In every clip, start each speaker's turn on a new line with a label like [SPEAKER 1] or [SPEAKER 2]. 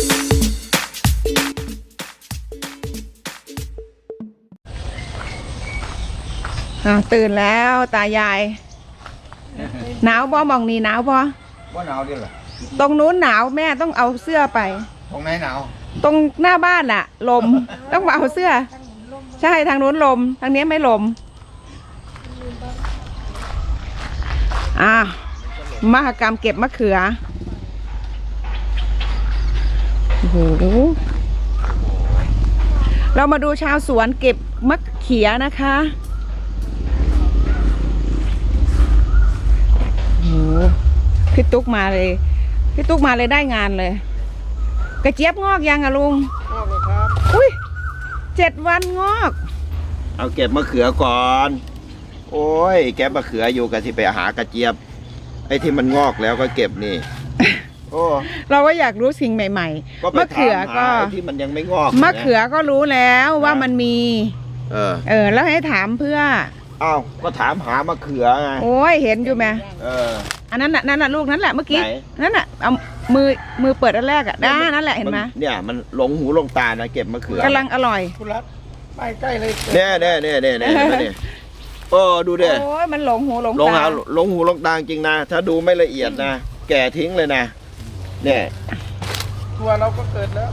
[SPEAKER 1] ตื่นแล้วตายายหนาวบ่มองนี่หนาวบ่
[SPEAKER 2] ว่าหนาวดิเหรอ
[SPEAKER 1] ตรงนู้นหนาวแม่ต้องเอาเสื้อไป
[SPEAKER 2] ตรงไหนหนาว
[SPEAKER 1] ตรงหน้าบ้านอะลมต้องมาเอาเสื้อใช่ทางนู้นลมทางนี้ไม่ลมมหกรรมเก็บมะเขือโอ้โหเรามาดูชาวสวนเก็บมะเขือนะคะโอ้พี่ตุ๊กมาเลยพี่ตุ๊กมาเลยได้งานเลยกระเจี๊ยบงอกยังอะลุง
[SPEAKER 2] งอกเลยครับ
[SPEAKER 1] อุ้ย7 วันงอก
[SPEAKER 2] เอาเก็บมะเขือก่อนโอ้ยแกะมะเขืออยู่กันที่ไปหากระเจี๊ยบไอ้ที่มันงอกแล้วก็เก็บนี่โอ้
[SPEAKER 1] เราก็อยากรู้สิ่งใหม่ๆมะเขือก็
[SPEAKER 2] ที่มันยังไม่งอก
[SPEAKER 1] มะเขือก็รู้แล้วว่ามันมีแล้วให้ถามเพื่อ
[SPEAKER 2] อ้าวก็ถามหามะเขือไง
[SPEAKER 1] โอ้ยเห็นอยู่ไหมอันนั้นน่ะลูกนั้นแหละเมื่อกี้นั่นน่ะเอามือเปิดอันแรกอ่ะนั่นแหละเห็นไหม
[SPEAKER 2] เนี่ยมันหลงหูหลงตานะเก็บมะเขือก
[SPEAKER 1] ำลังอร่อย
[SPEAKER 2] คุณรัฐไปใกล้เลยเนี่ยดูดิ
[SPEAKER 1] โอ้ยมันหลงหูหลงตา
[SPEAKER 2] หลงหูหลงตาจริงนะถ้าดูไม่ละเอียดนะแก่ทิ้งเลยนะเนี่ยตัวเราก็เกิดแล้ว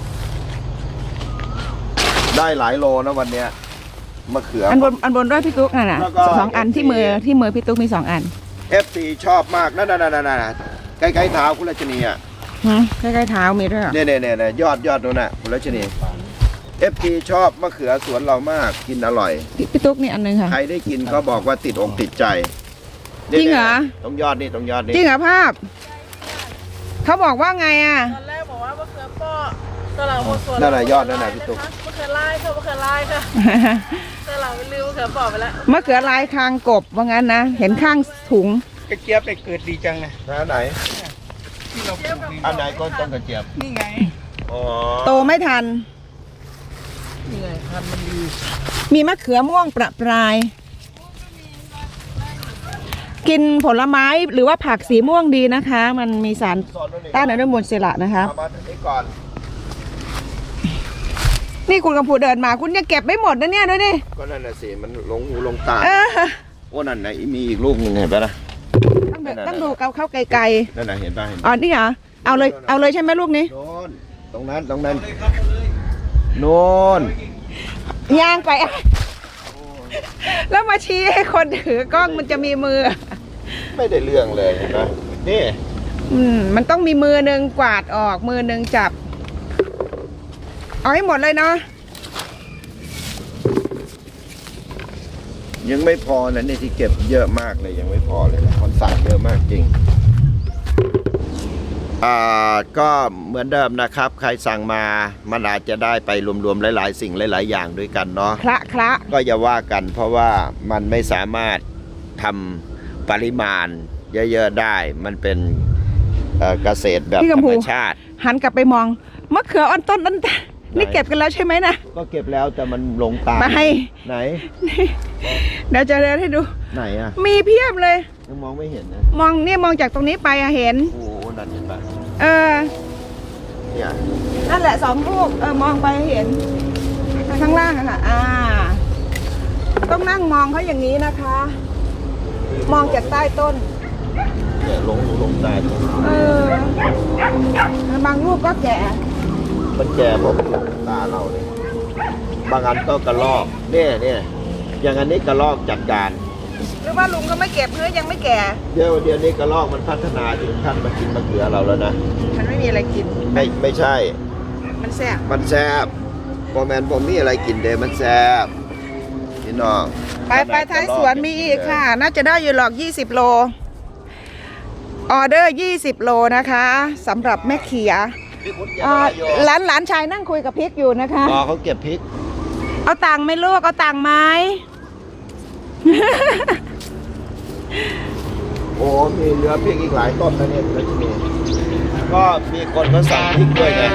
[SPEAKER 2] ได้หลายโลนะวันเนี้ยมะเขือ
[SPEAKER 1] อันบนด้วยพี่ตุ๊กน่ะ2 อันที่มือพี่ตุ๊กมี2 อัน
[SPEAKER 2] FC ชอบมากนั่นใกล้ๆเท้าคุณรัชนีอ่ะ
[SPEAKER 1] ใกล้ๆเท้ามีด้วย
[SPEAKER 2] เนี่ยยอดนู่นน่ะคุณรัชนี FC ชอบมะเขือสวนเรามากกินอร่อย
[SPEAKER 1] พี่ตุ๊กนี่อันนึงค่ะ
[SPEAKER 2] ใครได้กินก็บอกว่าติดอกติดใจ
[SPEAKER 1] จริงเหรอ
[SPEAKER 2] ตรงยอดนี่จ
[SPEAKER 1] ริงเหรอภาพเขาบอกว่าไงอ่ะ
[SPEAKER 3] ตอนแรกบอกว่ามะเขือป้อตอนหลังหมดส่วน
[SPEAKER 2] นั่นแหละยอดนั่นแหละพี่ตุ๊ก
[SPEAKER 3] มะเขือลายค่ะมะเขือลายค่ะตอนหลังไปลืมมะเขือป้อไปแล้ว
[SPEAKER 1] มะเขือลายคางกบว่างั้นนะเห็นข้างถุง
[SPEAKER 4] กระเจี๊ยบไปเกิดดีจังเลย
[SPEAKER 2] อันไหน
[SPEAKER 4] ที่เราปลูก
[SPEAKER 2] อันไหนก็ต้นกระเจี๊ยบ
[SPEAKER 4] นี่ไง
[SPEAKER 1] โตไม่ทัน
[SPEAKER 4] นี่ไงพันธุ์มันดี
[SPEAKER 1] มีมะเขือม่วงประปรายกินผลไม้หรือว่าผักสีม่วงดีนะคะมันมีสารต้านอนุมูลอิสระนะคะนี่คุณกำพูเดินมาคุณยังเก็บไม่หมดนะเนี่ยด้วยดิ
[SPEAKER 2] ก็นั่นน่ะสิมันหลงหูหลงตาโอ้นั่นไหนมีอีกลูกนึงเห็นปะนะ
[SPEAKER 1] ต้องดูเข้าไกล
[SPEAKER 2] ๆนั่นน่ะเห็นปะ
[SPEAKER 1] อ๋อนี่เหรอเอาเลยใช่ไหมลูกนี้
[SPEAKER 2] ตรงนั้นโน่น
[SPEAKER 1] ย่างไปแล้วมาชี้ให้คนถือกล้องมันจะมีมือ
[SPEAKER 2] ไม่ได้เรื่องเลยนะนี่
[SPEAKER 1] มันต้องมีมือหนึ่งกวาดออกมือหนึ่งจับเอาให้หมดเลยเนาะ
[SPEAKER 2] ยังไม่พอนะนี่ที่เก็บเยอะมากเลยยังไม่พอเลยนะคนสั่งเยอะมากจริงก็เหมือนเดิมนะครับใครสั่งมามันอาจจะได้ไปรวมๆหลายๆสิ่งหลายๆอย่างด้วยกันเนาะ
[SPEAKER 1] คละ
[SPEAKER 2] ก็อย่าว่ากันเพราะว่ามันไม่สามารถทำปริมาณเยอะๆได้มันเป็นเกษตรแบบธรรมชาติ
[SPEAKER 1] หันกลับไปมองมะเขืออ่อนต้นนั้นนี่เก็บกันแล้วใช่ไหมนะ
[SPEAKER 2] ก็เก็บแล้วแต่มันลงตาไหน
[SPEAKER 1] เดี๋ยวจะเดินให้ดู
[SPEAKER 2] ไหนอ่ะ
[SPEAKER 1] มีเพียบเลย
[SPEAKER 2] ยังมองไม่เห็นนะ
[SPEAKER 1] มองจากตรงนี้ไปเห็น
[SPEAKER 2] โอ้นั่นเห็นปะ
[SPEAKER 1] เนี่ยนั่นแหละ2 ลูกมองไปเห็นข้างล่างอะค่ะต้องนั่งมองเขาอย่างนี้นะคะมองจากใต้ต้น
[SPEAKER 2] เนี่ยลงตา
[SPEAKER 1] บางลูกก็แก่
[SPEAKER 2] มันแก่เพราะตาเราเลยบางอันก็กระลอกเนี่ยอย่างอันนี้กระลอกจัดการ
[SPEAKER 1] หรือว่าลุงก็ไม่เก็บเพื่อยังไม่แก่
[SPEAKER 2] เดี๋ยวนี้กระลอกมันพัฒนาถึงขั้นมากินมะเขือเราแล้วนะ
[SPEAKER 1] มันไม่มีอะไรกิน
[SPEAKER 2] ไม่ใช่
[SPEAKER 1] มันแซ่บ
[SPEAKER 2] พอแมนผมมีอะไรกินเดมันแซ่บพี่น้อง
[SPEAKER 1] ไปท้ายสวนมีอีกค่ะน่าจะได้อยู่หรอก20 โลออเดอร์20 โลนะคะสำหรับแม่เขียหลานชายนั่งคุยกับพริกอยู่นะคะ
[SPEAKER 2] เขาเก็บพริก
[SPEAKER 1] เอาตังค์ไหมลูกเอาตังค์ไหม
[SPEAKER 2] โอ้มีเหลือพริกอีกหลายต้นนะเนี่ยก็มีคนเขาสั่งพริกด้วยไง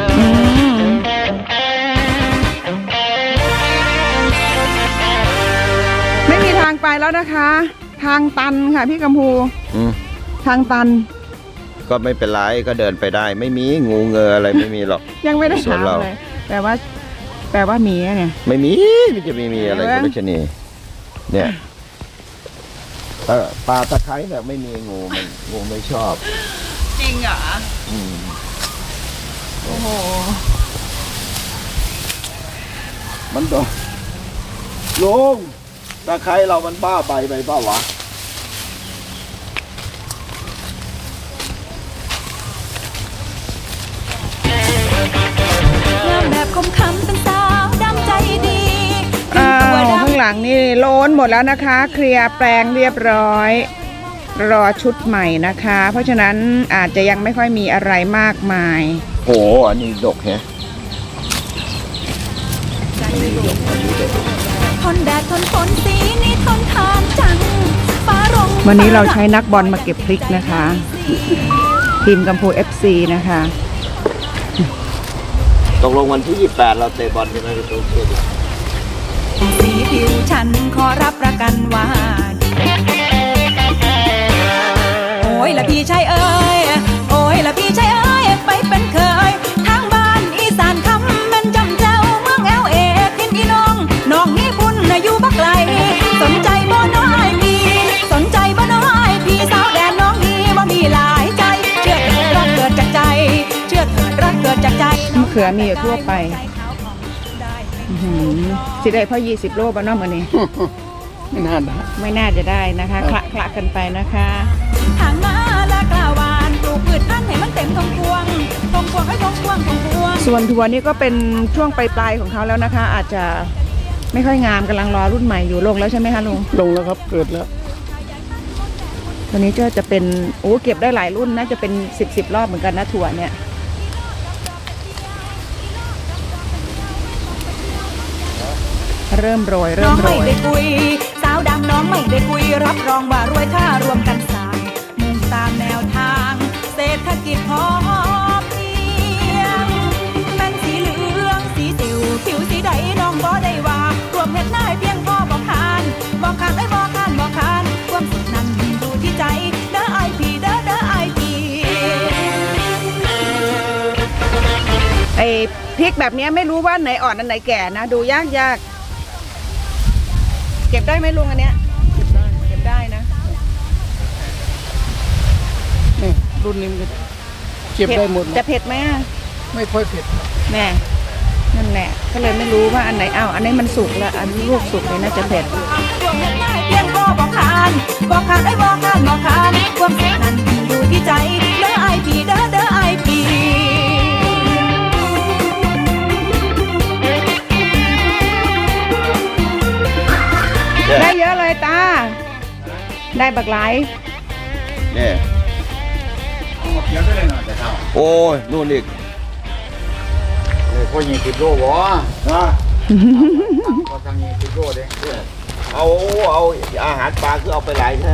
[SPEAKER 1] ไม่มีทางไปแล้วนะคะทางตันค่ะพี่กัมพูทางตัน
[SPEAKER 2] ก็ไม่เป็นไรก็เดินไปได้ ไม่มีงูเงออะไรไม่มีหรอก
[SPEAKER 1] ยังไม่ได้
[SPEAKER 2] ส่วน
[SPEAKER 1] ถาม
[SPEAKER 2] เรา
[SPEAKER 1] เลยแปลว่ามีอะเนี่ย
[SPEAKER 2] ไม่มีมันจะไม่มีอะไร
[SPEAKER 1] เห็นไหม
[SPEAKER 2] คุณรัชนีเนี่ยปลาตะไคร้เนี่ยไม่มีงูมันงูไม่ชอบ
[SPEAKER 1] จริงเหรอ
[SPEAKER 2] อืม
[SPEAKER 1] โอ้โห
[SPEAKER 2] มันโดนลุงตะไคร้เรามันบ้าใบไปเปล่าวะ
[SPEAKER 5] งามแบบคมคำเป็นสาวดำใจดี
[SPEAKER 1] อ้าวข้างหลังนี่โล้นหมดแล้วนะคะ เคลียร์แปลงเรียบร้อย รอชุดใหม่นะคะ เพราะฉะนั้นอาจจะยังไม่ค่อยมีอะไรมากมาย
[SPEAKER 2] โหอันนี้ดกแฮะ
[SPEAKER 5] ทนแดดทนฝนสีนี้ทนทานจังฟ้ารง
[SPEAKER 1] วันนี้เราใช้นักบอลมาเก็บพริกนะคะ ทีมกัมพู FC นะคะ
[SPEAKER 2] ตกลงวันที่ 28 เราเตะบอลกันนะพี่ตุ๊ก
[SPEAKER 5] สีผิวฉันขอรับประกันว่าโอ้ยละพี่ชายเอ้ยโอ้ยละพี่ชายเอ้ยไปเป็นเคยทางบ้านอีสานคำเป็นจำเจ้าเมืองLAทินอีน้องน้องนี่บุญน่ะอยู่บักไกลสนใจบ่น้อยพี่สนใจบ่น้อยพี่สาวแดนน้องนี่บ่มีหลายใจเชื่อเถิดรักเกิดจากใจเชื่อเถิดรักเกิดจากใจ
[SPEAKER 1] มะเขือมีอยู่ทั่วไป อื้อหือสิได้เพราะ20 โลบ้านนอกมือนี้
[SPEAKER 4] ไม่น่าได้
[SPEAKER 1] ไม่น่าจะได้นะคะคละกันไปนะคะ
[SPEAKER 5] ทางมาและกล้าวานปลูกพืชพันธุ์ให้มันเต็มทงพวงให้ทงพวง
[SPEAKER 1] ส่วนทัวร์นี่ก็เป็นช่วงปลายๆของเขาแล้วนะคะ อาจจะไม่ค่อยงามกำลังรอรุ่นใหม่อยู่ลงแล้วใช่ไหมคะลุง
[SPEAKER 4] ลงแล้วครับเกิดแล้ว
[SPEAKER 1] ตัวนี้จะเป็นเก็บได้หลายรุ่นน่าจะเป็น10 รอบเหมือนกันนะถั่วเนี่ยเริ่มโรย
[SPEAKER 5] น้องไม่ได้คุยสาวดำน้องไม่ได้คุยรับรองว่ารวยถ้ารวมกันสร้างมุ่งตามแนวทางเศรษฐกิจพอเพียงเป็นสีเหลืองสีสิวผิวสีใดน้องบ่ได้ว่ารวมเฮ็ดได้เพียงพอบอกคานบอกคานไอ้บอกคานบอกคานความสุขนั้นอยู่ที่ใจเด้อไอพีเด้อไอพี
[SPEAKER 1] ไอ้พริกแบบนี้ไม่รู้ว่าไหนอ่อนอันไหนแก่นะดูยากเก็บได้ไหมลุงอันเนี้ยเก็บได้นะ
[SPEAKER 4] นี่รุ่นนี้มันเก็บได้หมด
[SPEAKER 1] จะเผ็ดไหมอะ
[SPEAKER 4] ไม่ค่อยเผ็ด
[SPEAKER 1] แน่นั่นแหละก็เลยไม่รู้ว่าอันไหนอันนี้มันสุกแล้วอันลูกสุกเลยน่าจะเผ็ด
[SPEAKER 5] รวมเฮ็ดได้เพียงพอบอกคานไอ้บอกคานความสุขนั้นอยู่ที่ใจเด้อไอพีเด้อไอพี
[SPEAKER 1] ได้เยอะเลยตา ได้บักหลาย
[SPEAKER 2] เนี่ยโอ้ยนู่นอีก
[SPEAKER 6] ก็ยิงติดโล่วะ
[SPEAKER 2] นะ
[SPEAKER 6] ก็ทางยิงติดโล่เด้
[SPEAKER 2] เอาอาหารปลาคือเอาไปหลายแท้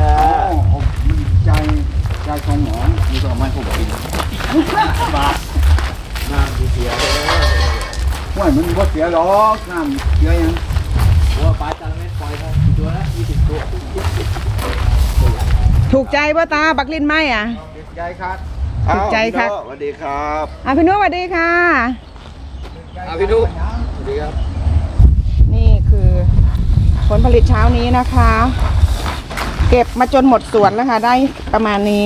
[SPEAKER 6] ใจของหมอมีตัวไม้ผมกินมาน้ำเสียว่ามันว่าเสียหรอกน้ำเสียยังว่าปลาจระเม็ดปล่อยครับตัวละ20 ตัว
[SPEAKER 1] ถูกใจป่ะตาบักลินไหมอ่ะ
[SPEAKER 6] ใจครับ
[SPEAKER 1] ถูกใจครับ
[SPEAKER 2] สวัสดีครับ
[SPEAKER 1] พี่นุ้ยสวัสดีค่ะ
[SPEAKER 6] พี่นุ๊กสวัสดีครับ
[SPEAKER 1] นี่คือผลผลิตเช้านี้นะคะ เก็บมาจนหมดสวนแล้วค่ะได้ประมาณนี้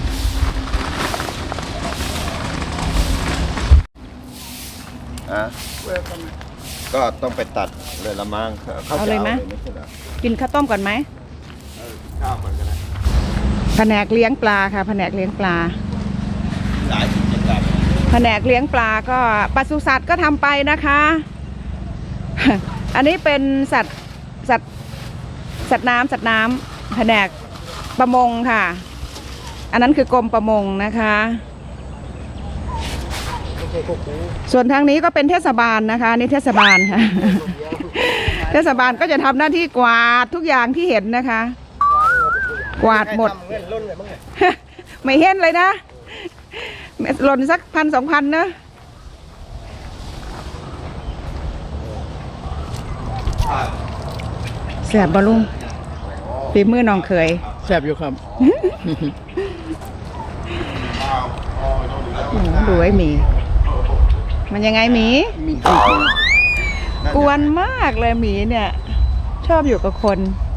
[SPEAKER 2] ก็ต้องไปตัดเลยละมั้งเขาจะ
[SPEAKER 1] เอาเลยไหม
[SPEAKER 2] ไม่ใช่เหรอ
[SPEAKER 1] กินข้าวต้มก่อนไหม
[SPEAKER 2] ข้าวมันก็ได้
[SPEAKER 1] แผนกเลี้ยงปลาค่ะแผนกเลี้ยงปลา
[SPEAKER 2] หลายกิจกรรม
[SPEAKER 1] แผนกเลี้ยงปลาก็ปศุสัตว์ก็ทำไปนะคะ อันนี้เป็นสัตว์น้ำแผนกประมงค่ะ อันนั้นคือกรมประมงนะคะ ส่วนทางนี้ก็เป็นเทศบาลนะคะนี่เทศบาลค่ะ เทศบาลก็จะทำหน้าที่กวาดทุกอย่างที่เห็นนะคะ กวาดหมด ไม่เห็นเลยนะหล่นสัก1,000-2,000นะแสบบอลุงฝีมือน้องเคย
[SPEAKER 4] แซ่บอยู่ครับ
[SPEAKER 1] โอ้โหดูไอ้หมี มันยังไงหมี
[SPEAKER 4] มี
[SPEAKER 1] กวนมากเลยหมีเนี่ย ชอบอยู่กับคน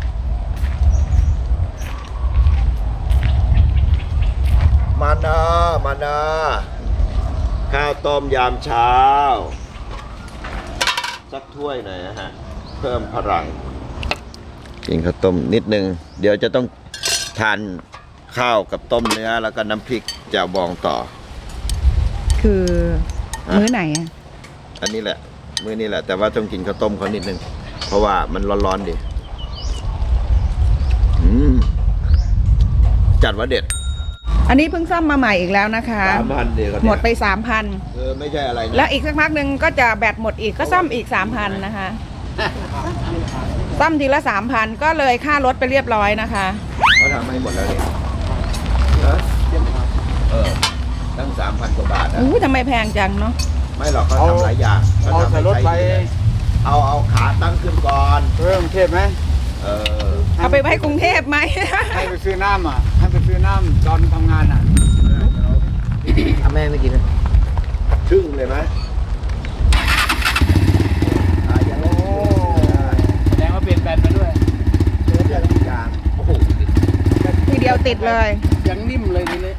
[SPEAKER 2] มานะข้าวต้มยามเช้า สักถ้วยหน่อยนะฮะ เพิ่มพลังกินข้าวต้มนิดนึง เดี๋ยวจะต้องทานข้าวกับต้มเนื้อแล้วก็น้ำพริกแจ่วบองต่อ
[SPEAKER 1] คือ
[SPEAKER 2] ฮะ
[SPEAKER 1] มื้อไหนอะ
[SPEAKER 2] อันนี้แหละ มื้อนี้แหละ แต่ว่าต้องกินข้าวต้มเขานิดนึง เพราะว่ามันร้อนๆดิจัดว่าเด็ด
[SPEAKER 1] อันนี้เพิ่งซ่อมมาใหม่อีกแล้วนะคะ
[SPEAKER 2] 3,000เดียวกัน
[SPEAKER 1] หมดไป
[SPEAKER 2] ไม่ใช่อะไร
[SPEAKER 1] 3,000 แล้วอีกสักพักหนึ่งก็จะแบตหมดอีกก็ซ่อมอีก 3,000 นะคะ ซ่อมทีละ 3,000 ก็เลยค่ารถไปเรียบร้อยนะคะ
[SPEAKER 2] เขาทำให้หมดแล้วเนี่ยตั้ง 3,000 กว่าบาทนะ
[SPEAKER 1] อู้ทำไมแพงจังเนาะ
[SPEAKER 2] ไม่หรอกเขาทำหลายอย่าง
[SPEAKER 6] เอาใส่รถไป
[SPEAKER 2] เอาขาตั้งขึ้นก่อน
[SPEAKER 6] เพิ่มเทพไหม
[SPEAKER 1] เอาไปไว้กรุงเทพไหม
[SPEAKER 6] ให้ไปซื้อน้ำอ่ะ ให้ไปซื้อน้ำตอนทำงานอ่ะ
[SPEAKER 2] แม่ไม่กินนะชึ่งเลยไหม
[SPEAKER 6] โอ้แสดงว่าเปลี่ยนแบตมาด้วย
[SPEAKER 2] โอ้โห
[SPEAKER 1] ทีเดียวติดเลย
[SPEAKER 4] ยังนิ่มเลยทีนี้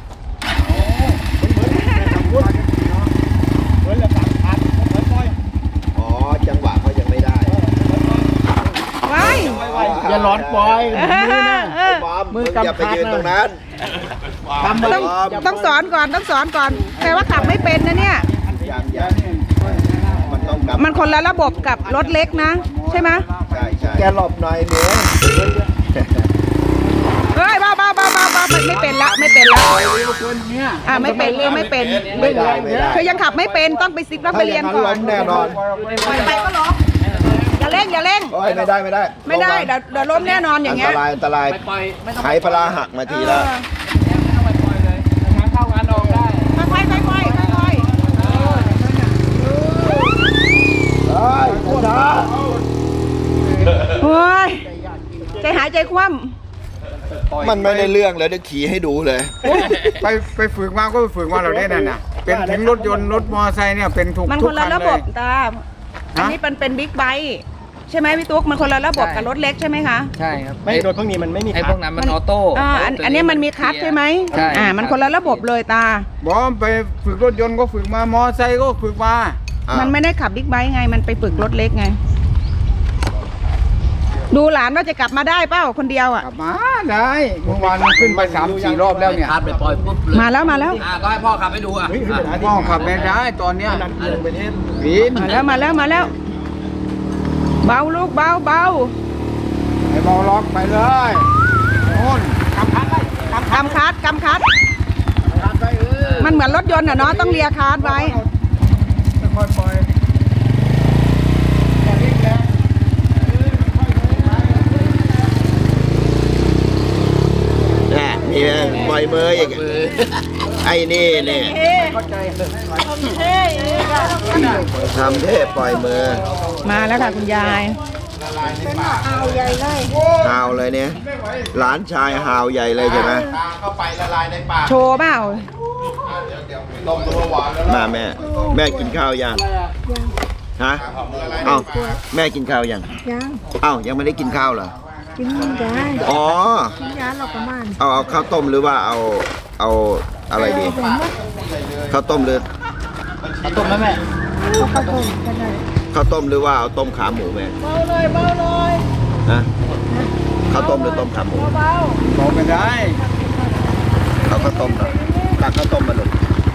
[SPEAKER 6] เหมือนละ3,000เหมือนปล่อย
[SPEAKER 2] อ๋อ จังหวะเขายังไม่ได้
[SPEAKER 1] ว้าย
[SPEAKER 4] อย่าหลอนปล่อยมือนะ
[SPEAKER 1] เออ
[SPEAKER 2] บอม
[SPEAKER 4] มื
[SPEAKER 2] มึ
[SPEAKER 4] อง
[SPEAKER 2] อย่าไป
[SPEAKER 4] กำคัด
[SPEAKER 2] ยืนตรงนั้น
[SPEAKER 4] ทำไป
[SPEAKER 1] ต้องสอนก่อนต้องสอนก่อนแปลว่าขับไม่เป็นนะเนี่ย
[SPEAKER 2] อย่างมันต้องกลับ
[SPEAKER 1] มันคนละระบบกับรถเล็กนะ ใช่ไหม
[SPEAKER 2] ใช่แกหลบหน่อยเดี๋ยว
[SPEAKER 1] เฮ้ยบ้าไม่เป็นละไม่เป็นละ
[SPEAKER 6] คนเนี้ย
[SPEAKER 1] ไม่เป็นเรื่องไม่เป็น
[SPEAKER 2] ไม่ได้ไม่ได้
[SPEAKER 1] คือยังขับไม่เป็นต้องไปซิกแล้วไปเรียนก่อน
[SPEAKER 2] แน่นอน
[SPEAKER 1] ไปก็ล้มอย่าเร่งอย่าเร่ง
[SPEAKER 2] โอ้ยไม่ได้
[SPEAKER 1] ไม่ได้เดี๋ยวล้มแน่นอนอย่างเงี้ย
[SPEAKER 2] อันตราย
[SPEAKER 4] ปล่อยไม่ต้อง
[SPEAKER 2] ไหปลาหักมาทีละ
[SPEAKER 4] ไปปล่อยเลยงานเข้างานออกได้
[SPEAKER 1] ค่อยๆค่อยๆค่อย
[SPEAKER 2] เฮ้ยช้า
[SPEAKER 1] ๆโอ้ยใจหายใจคว่
[SPEAKER 2] มันไม่ได้เรื่องเลยเดี๋ยวขี่ให้ดูเลย
[SPEAKER 6] ไปฝึกมาก็ไปฝึกมาเราได้นั่นน่ะ เป็นถึงรถยนต์รถมอเตอร์ไซค์เนี่ยเป็นทุก
[SPEAKER 1] ำมัน
[SPEAKER 6] ทุ
[SPEAKER 1] ค
[SPEAKER 6] ก
[SPEAKER 1] น
[SPEAKER 6] คั
[SPEAKER 1] ละ
[SPEAKER 6] น
[SPEAKER 1] ระ
[SPEAKER 6] เล
[SPEAKER 1] บบ
[SPEAKER 6] ย
[SPEAKER 1] ตาอันนี้เป็นบิ๊กไบค์ใช่ไหมพี่ตุ๊กมันคนละระบบกับรถเล็กใช่ไหมคะ
[SPEAKER 4] ใช่ครับ
[SPEAKER 7] ไม่รถพวกนี้มันไม่มี
[SPEAKER 4] ไอ้พวกนั้นมันออโต้
[SPEAKER 1] อันนี้มันมีคลัตช์ใช่ไหม
[SPEAKER 4] ใช่
[SPEAKER 1] มันคนละระบบเลยตา
[SPEAKER 6] บอกว่าไปฝึกรถยนต์ก็ฝึกมามอเตอร์ไซค์ก็ฝึกมา
[SPEAKER 1] มันไม่ได้ขับบิ๊กไบค์ไงมันไปฝึกรถเล็กไง ดูหลานว่าจะกลับมาได้เปล่าคนเดียวอ่ะ
[SPEAKER 6] กลับมาได้เมื่อวานขึ้นไป3-4 รอบแล้วเนี่ย
[SPEAKER 4] คาดไปปล่อยปุ๊บเลย
[SPEAKER 1] มาแล้ว
[SPEAKER 4] ก็ให้พ่อขับไปดูอ่ะ
[SPEAKER 6] พ่อขับไม่ได้ตอนเนี้ยปีน
[SPEAKER 1] มาแล้วเบาลูกเบา
[SPEAKER 6] ไอ้เบาล็อกไปเลยโน่นกำคัดไป
[SPEAKER 1] กำคัดมันเหมือนรถยนต์อ่ะเนาะต้องเลียคาร์ดไว้
[SPEAKER 6] ค่อยๆปล่อย
[SPEAKER 2] น่ะมีไหมปล่อยมืออีกไอ้นี่เนี่ยทำเทพปล่อยมือ
[SPEAKER 1] มาแล้วค่ะคุณยาย
[SPEAKER 2] ฮาวเลยเนี่ยหลานชายฮาวใหญ่เลยใช่ไหม
[SPEAKER 1] โชว์เปล่า
[SPEAKER 2] มาแม่กินข้าวยังฮะเอ้าแม่กินข้าวยังเอ้ายังไม่ได้กินข้าวเหรอกินได้อ๋อเอาข้าวต้มหรือว่าเอาอะไรดีข้าวต้มหรือ
[SPEAKER 4] ต้มไหมแม่
[SPEAKER 2] ข้าวต้มหรือว่าเอาต้มขาหมูแม่เบาเลยฮะข้าวต้มหรือต้มขาหมู
[SPEAKER 6] บอกไม่ได้
[SPEAKER 2] เอาข้าวต้มหน่อยตักข้าวต้มมาหนุน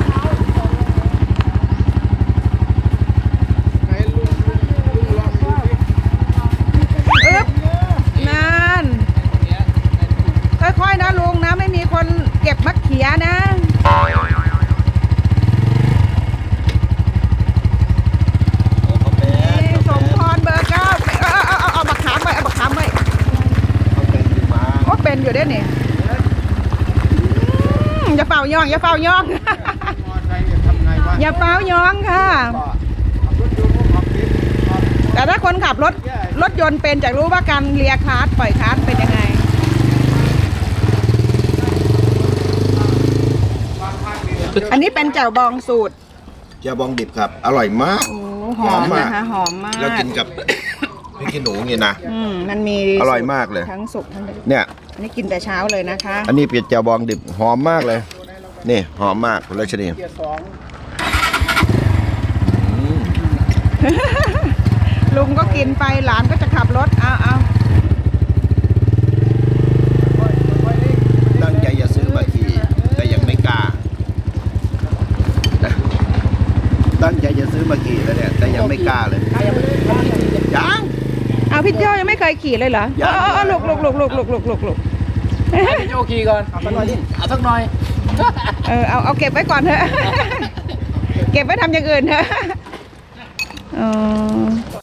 [SPEAKER 1] อึ๊บนานค่อยๆนะลุงนะไม่มีคนเก็บมะเขือนะสมพรเบอร์ 9เอาบักขามไว้โอ้เป็นอยู่เด้เนี่ยอย่าเป่าย่องอย่าเป่าย่อง
[SPEAKER 6] มอเตอร์ไซค์เนี่ยทำไงวะ
[SPEAKER 1] อย่าเป่าย่องค่ะ
[SPEAKER 6] รถยนต์ก็ขับผิด
[SPEAKER 1] แต่ถ้าคนขับรถยนต์เป็นจะรู้ว่าการเลียคลัตช์ปล่อยคลัตช์เป็นยังไง
[SPEAKER 6] บางภาคเนี่ย
[SPEAKER 1] อันนี้เป็นแจ่วบองสูตร
[SPEAKER 2] เจียวบองดิบครับ อร่อยมาก
[SPEAKER 1] โอ้หอมนะคะหอมมาก
[SPEAKER 2] แล้วกินกับ พริกขี้หนูเนี่ยนะ
[SPEAKER 1] มันมี
[SPEAKER 2] อร่อยมากเลย
[SPEAKER 1] ทั้งสุกทั้งดิบ
[SPEAKER 2] เนี่ย
[SPEAKER 1] อันนี้กินแต่เช้าเลยนะคะ
[SPEAKER 2] อันนี้เป็ดเจียวบองดิบหอมมากเลย นี่หอมมากคุณรัชนี
[SPEAKER 1] ลุงก็กินไปหลานก็จะขับรถเอา
[SPEAKER 2] ตั้งใจจะซื้อมาขี่แต่ยังไม่กล้านะตั้งใจจะซื้อมาขี่แล้วเนี่ยแต่ยังไม่กล้าเลยยัง
[SPEAKER 1] เอาพี่โจยังไม่เคยขี่เลยเหรอ
[SPEAKER 2] ยัง
[SPEAKER 1] เอาลุก
[SPEAKER 4] โยกีก่อนเอาสักหน่อยดิเอาสักหน่อย
[SPEAKER 1] เอาเก็บไว้ก่อนเถอะ เก็บไว้ทำอย่างอื่นเถอะ